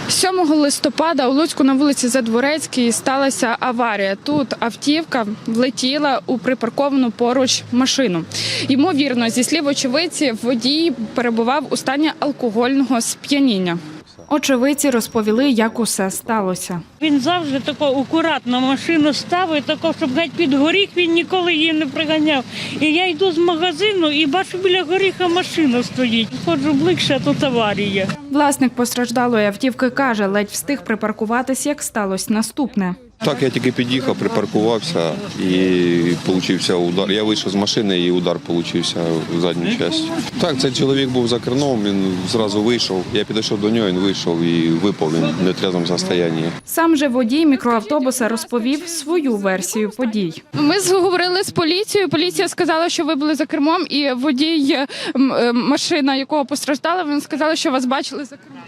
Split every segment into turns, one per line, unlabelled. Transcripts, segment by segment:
7 листопада у Луцьку на вулиці Задворецькій сталася аварія. Тут автівка влетіла у припарковану поруч машину. Ймовірно, зі слів очевидців, водій перебував у стані алкогольного сп'яніння. Очевидці розповіли, як усе сталося.
Він завжди тако акуратно машину ставить, тако, щоб геть під горіх він ніколи її не приганяв. І я йду з магазину і бачу, біля горіха машина стоїть. Ходжу ближче, а тут аварія.
Власник постраждалої автівки каже, ледь встиг припаркуватись, як сталося наступне.
Так, я тільки під'їхав, припаркувався і получився удар. Я вийшов з машини і удар получився в задню частину. Так, цей чоловік був за кермом, він зразу вийшов. Я підійшов до нього, він вийшов і випав, він в нетрезвому стані.
Сам же водій мікроавтобуса розповів свою версію подій. Ми говорили з поліцією, поліція сказала, що ви були за кермом, і водій, машина якого постраждала, він сказав, що вас бачили за кермом.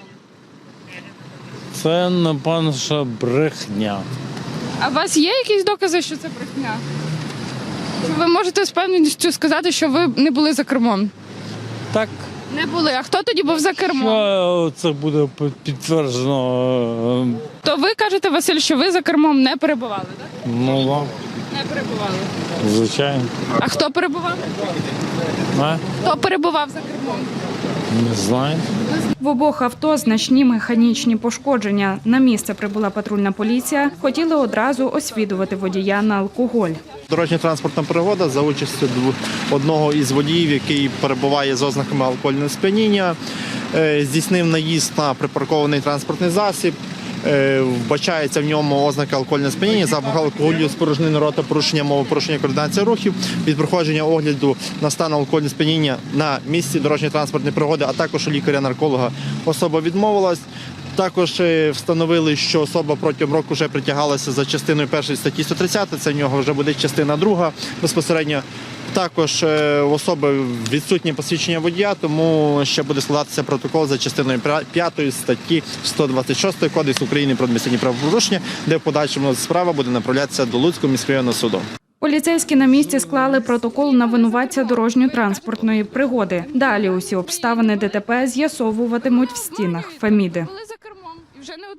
Це, напевно, що брехня.
А у вас є якісь докази, що це брехня? Ви можете з певністю сказати, що ви не були за кермом?
Так.
Не були. А хто тоді був за кермом?
Що це буде підтверджено?
То ви кажете, Василь, що ви за кермом не перебували, так?
Ну, так.
Не перебували.
Звичайно.
А хто перебував?
А?
Хто перебував за кермом?
Не знаю.
В обох авто значні механічні пошкодження. На місце прибула патрульна поліція. Хотіли одразу освідувати водія на алкоголь.
Дорожньо-транспортна пригода за участю одного із водіїв, який перебуває з ознаками алкогольного сп'яніння, здійснив наїзд на припаркований транспортний засіб. Вбачається в ньому ознаки алкогольного сп'яніння, запах алкоголю, спорожнини рота, порушення мови, порушення координації рухів, від проходження огляду на стан алкогольного сп'яніння на місці дорожньо-транспортної пригоди, а також у лікаря-нарколога особа відмовилась. Також встановили, що особа протягом року вже притягалася за частиною 1 статті 130, це в нього вже буде частина 2 безпосередньо. Також в особи відсутнє посвідчення водія, тому ще буде складатися протокол за частиною 5 статті 126 Кодексу України про адміністративні правопорушення, де в подальшому справа буде направлятися до Луцького міськрайонного суду.
Поліцейські на місці склали протокол на винуватця дорожньо-транспортної пригоди. Далі усі обставини ДТП з'ясовуватимуть в стінах Феміди.